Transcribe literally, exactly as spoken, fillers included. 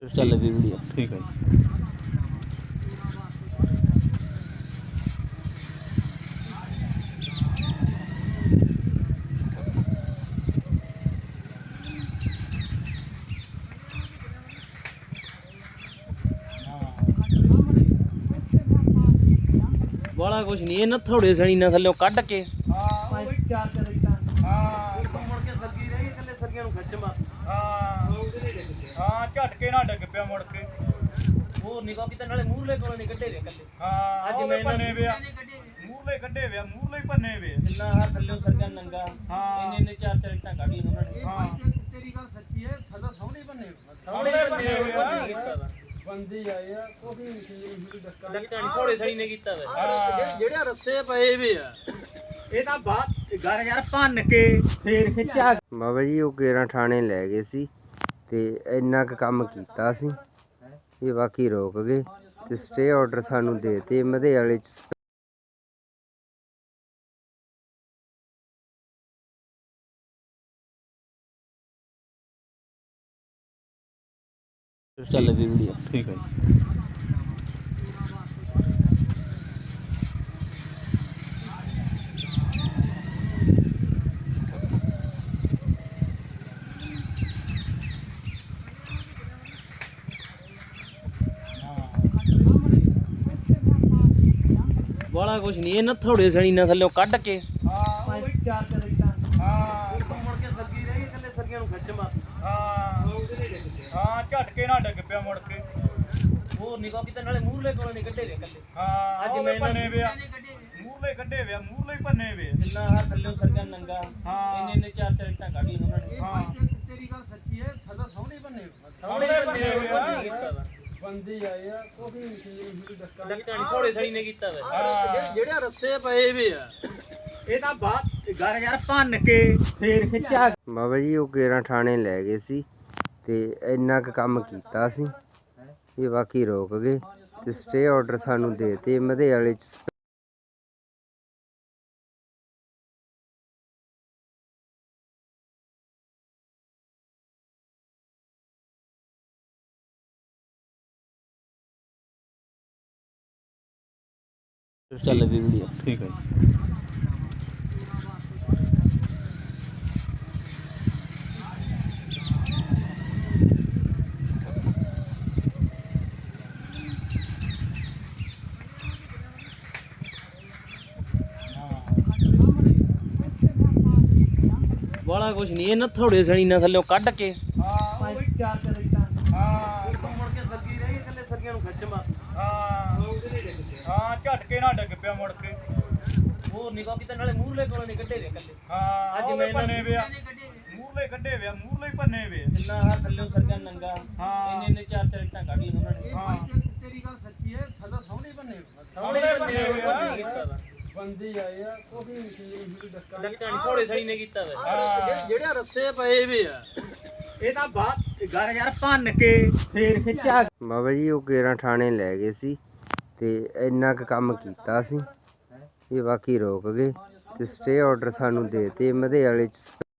ਚੱਲ ਵੀ ਵੀਡੀਓ ਠੀਕ ਹੈ ਜੀ। ਬਾਲਾ ਕੁਛ ਨਹੀਂ, ਇਹ ਨਾ ਥੋੜੇ ਸਣੀ ਨਾ ਥੱਲੇ ਕੱਢ ਕੇ ਹਾਂ ਉਹ ਵੀ ਚਾਰ ਚਾਰ ਇਟਾਂ ਹਾਂ ਉੱਤੋਂ ਮੁੜ ਕੇ ਸੱਗੀ ਰਹੀ ਥੱਲੇ ਸੱਗੀਆਂ ਨੂੰ ਖਿੱਚ ਮਾ ਹਾਂ ਹਾਂ ਝਟਕੇ ਨਾਲ ਡਿੱਗ ਪਿਆ ਮੁੜ ਕੇ। ਹੋਰ ਨਿਕੋ ਕਿਤੇ ਨਾਲੇ ਮੂਹਰਲੇ ਕੋਲ ਨਹੀਂ ਕੱਢੇ ਵੇ ਕੱਲੇ ਹਾਂ ਅੱਜ ਅੱਜ ਮੈਂ ਮੈਂ ਇਹਨਾਂ ਪੰਨੇ ਵਿਆ ਮੂਰਲੇ ਕੱਢੇ ਵਿਆ ਮੂਰਲੇ ਹੀ ਪੰਨੇ ਵੇ। ਜਿੰਨਾ ਹਰ ਥੱਲੇ ਸੱਗਿਆਂ ਨੰਗਾ ਹਾਂ। ਇੰਨੇ ਇੰਨੇ ਚਾਰ ਚਾਰ ਇੱਟਾਂ ਕੱਢ ਲਈਆਂ ਉਹਨਾਂ ਨੇ। ਹਾਂ ਤੇਰੀ ਗੱਲ ਸੱਚੀ ਹੈ, ਥੱਲੇ ਸੋਹਣੇ ਬੰਨੇ ਥੋੜੇ ਬੰਨੇ ਬੰਨੇ ਕੁਛ ਨਹੀਂ ਕੀਤਾ ਵਾ ਬੰਦੇ ਆਏ ਆ ਕੋਈ ਨਹੀਂ ਡੱਕਾ ਡੱਕਾ ਨੀ ਥੋੜੇ ਸਣੀ ਨੇ ਕੀਤਾ ਵਾ। ਹਾਂ। ਜਿਹੜੇ ਰੱਸੇ ਪਏ ਵੇ ਆ ਇਹ ਤਾਂ ਬਾਤ ਘਰ ਯਾਰ ਭੰਨ ਕੇ ਫੇਰ ਖਿੱਚਿਆ। ਬਾਬਾ ਜੀ ਉਹ ਕੇਰਾਂ ਥਾਣੇ ਲੈ ਗਏ ਸੀ ਤੇ ਇੰਨਾ ਕੁ ਕੰਮ ਕੀਤਾ ਸੀ ਇਹ ਬਾਕੀ ਰੋਕ ਗਏ ਤੇ ਸਟੇ ਆਰਡਰ ਸਾਨੂੰ ਦੇ ਤੇ ਮਧੇ ਵਾਲੇ ਚ ਚੱਲ ਵੀ ਵੀਡੀਓ ਠੀਕ ਹੈ ਜੀ। ਬਾਲਾ ਕੁਛ ਨਹੀਂ, ਇਹ ਨਾ ਥੋੜੇ ਸਣੀ ਨਾ ਥੱਲੇ ਕੱਢ ਕੇ ਹਾਂ ਉਹ ਵੀ ਚਾਰ ਚਾਰ ਇਟਾਂ ਹਾਂ ਉੱਤੋਂ ਮੁੜ ਕੇ ਸੱਗੀ ਰਹੀ ਥੱਲੇ ਸੱਗੀਆਂ ਨੂੰ ਖਿੱਚ ਮਾ ਹਾਂ ਹਾਂ ਝਟਕੇ ਨਾਲ ਡਿੱਗ ਪਿਆ ਮੁੜ ਕੇ। ਹੋਰ ਨਿਕੋ ਕਿਤੇ ਨਾਲੇ ਮੂਹਰਲੇ ਕੋਲ ਨਹੀਂ ਕੱਢੇ ਵੇ ਕੱਲੇ ਹਾਂ ਅੱਜ ਅੱਜ ਮੈਂ ਮੈਂ ਇਹਨਾਂ ਪੰਨੇ ਵਿਆ ਮੂਰਲੇ ਕੱਢੇ ਵਿਆ ਮੂਰਲੇ ਹੀ ਪੰਨੇ ਵੇ। ਜਿੰਨਾ ਹਰ ਥੱਲੇ ਸੱਗਿਆਂ ਨੰਗਾ ਹਾਂ। ਇੰਨੇ ਇੰਨੇ ਚਾਰ ਚਾਰ ਇੱਟਾਂ ਕੱਢ ਲਈਆਂ ਉਹਨਾਂ ਨੇ। ਹਾਂ ਤੇਰੀ ਗੱਲ ਸੱਚੀ ਹੈ, ਥੱਲੇ ਸੋਹਣੇ ਬੰਨੇ ਥੋੜੇ ਬੰਨੇ ਕੁਛ ਨਹੀਂ ਕੀਤਾ ਵਾ ਬੰਦੇ ਆਏ ਆ ਕੋਈ ਨਹੀਂ ਡੱਕਾ ਡੱਕਾ ਨੀ ਥੋੜੇ ਸਣੀ ਨੇ ਕੀਤਾ ਵਾ। ਹਾਂ। ਜਿਹੜੇ ਰੱਸੇ ਪਏ ਵੇ ਆ ਇਹ ਤਾਂ ਬਾਤ ਘਰ ਯਾਰ ਭੰਨ ਕੇ ਫੇਰ ਖਿੱਚਿਆ। ਬਾਬਾ ਜੀ ਉਹ ਕੇਰਾਂ ਥਾਣੇ ਲੈ ਗਏ ਸੀ ਤੇ ਇੰਨਾ ਕੁ ਕੰਮ ਕੀਤਾ ਸੀ ਇਹ ਬਾਕੀ ਰੋਕ ਗਏ ਤੇ ਸਟੇ ਆਰਡਰ ਸਾਨੂੰ ਦੇ ਤੇ ਮਧੇ ਵਾਲੇ ਚ ਚੱਲ ਵੀ ਵੀਡੀਓ ਠੀਕ ਹੈ ਜੀ। ਬਾਲਾ ਕੁਛ ਨਹੀਂ, ਇਹ ਨਾ ਥੋੜੇ ਸਣੀ ਨਾ ਥੱਲੇ ਕੱਢ ਕੇ ਹਾਂ ਉਹ ਵੀ ਚਾਰ ਚਾਰ ਇਟਾਂ ਹਾਂ ਉੱਤੋਂ ਮੁੜ ਕੇ ਸੱਗੀ ਰਹੀ ਥੱਲੇ ਸੱਗੀਆਂ ਨੂੰ ਖਿੱਚ ਮਾ ਹਾਂ ਹਾਂ ਝਟਕੇ ਨਾਲ ਡਿੱਗ ਪਿਆ ਮੁੜ ਕੇ। ਹੋਰ ਨਿਕੋ ਕਿਤੇ ਨਾਲੇ ਮੂਹਰਲੇ ਕੋਲ ਨਹੀਂ ਕੱਢੇ ਵੇ ਕੱਲੇ ਹਾਂ ਅੱਜ ਅੱਜ ਮੈਂ ਮੈਂ ਪੰਨੇ ਵਿਆ ਮੂਰਲੇ ਕੱਢੇ ਵਿਆ ਮੂਰਲੇ ਹੀ ਪੰਨੇ ਵੇ। ਜਿੰਨਾ ਹਰ ਥੱਲੇ ਸੱਗਿਆਂ ਨੰਗਾ ਹਾਂ। ਇੰਨੇ ਇੰਨੇ ਚਾਰ ਚਾਰ ਇੱਟਾਂ ਕੱਢ ਲਈਆਂ ਉਹਨਾਂ ਨੇ। ਹਾਂ ਤੇਰੀ ਗੱਲ ਸੱਚੀ ਹੈ, ਥੱਲੇ ਸੋਹਣੇ ਬੰਨੇ ਥੋੜੇ ਬੰਨੇ ਕੁਛ ਨਹੀਂ ਕੀਤਾ ਵਾ ਬੰਦੇ ਆਏ ਆ ਕੋਈ ਨਹੀਂ ਡੱਕਾ ਡੱਕਾ ਨੀ ਥੋੜੇ ਸਣੀ ਨੇ ਕੀਤਾ ਵਾ। ਹਾਂ। ਜਿਹੜੇ ਰੱਸੇ ਪਏ ਵੇ ਆ ਇਹ ਤਾਂ ਬਾਤ ਘਰ ਯਾਰ ਭੰਨ ਕੇ ਫੇਰ ਖਿੱਚਿਆ। ਬਾਬਾ ਜੀ ਉਹ ਕੇਰਾਂ ਥਾਣੇ ਲੈ ਗਏ ਸੀ ਤੇ ਇੰਨਾ ਕੁ ਕੰਮ ਕੀਤਾ ਸੀ ਇਹ ਬਾਕੀ ਰੋਕ ਗਏ ਤੇ ਸਟੇ ਆਰਡਰ ਸਾਨੂੰ ਦੇ ਤੇ ਮਧੇ ਵਾਲੇ ਚ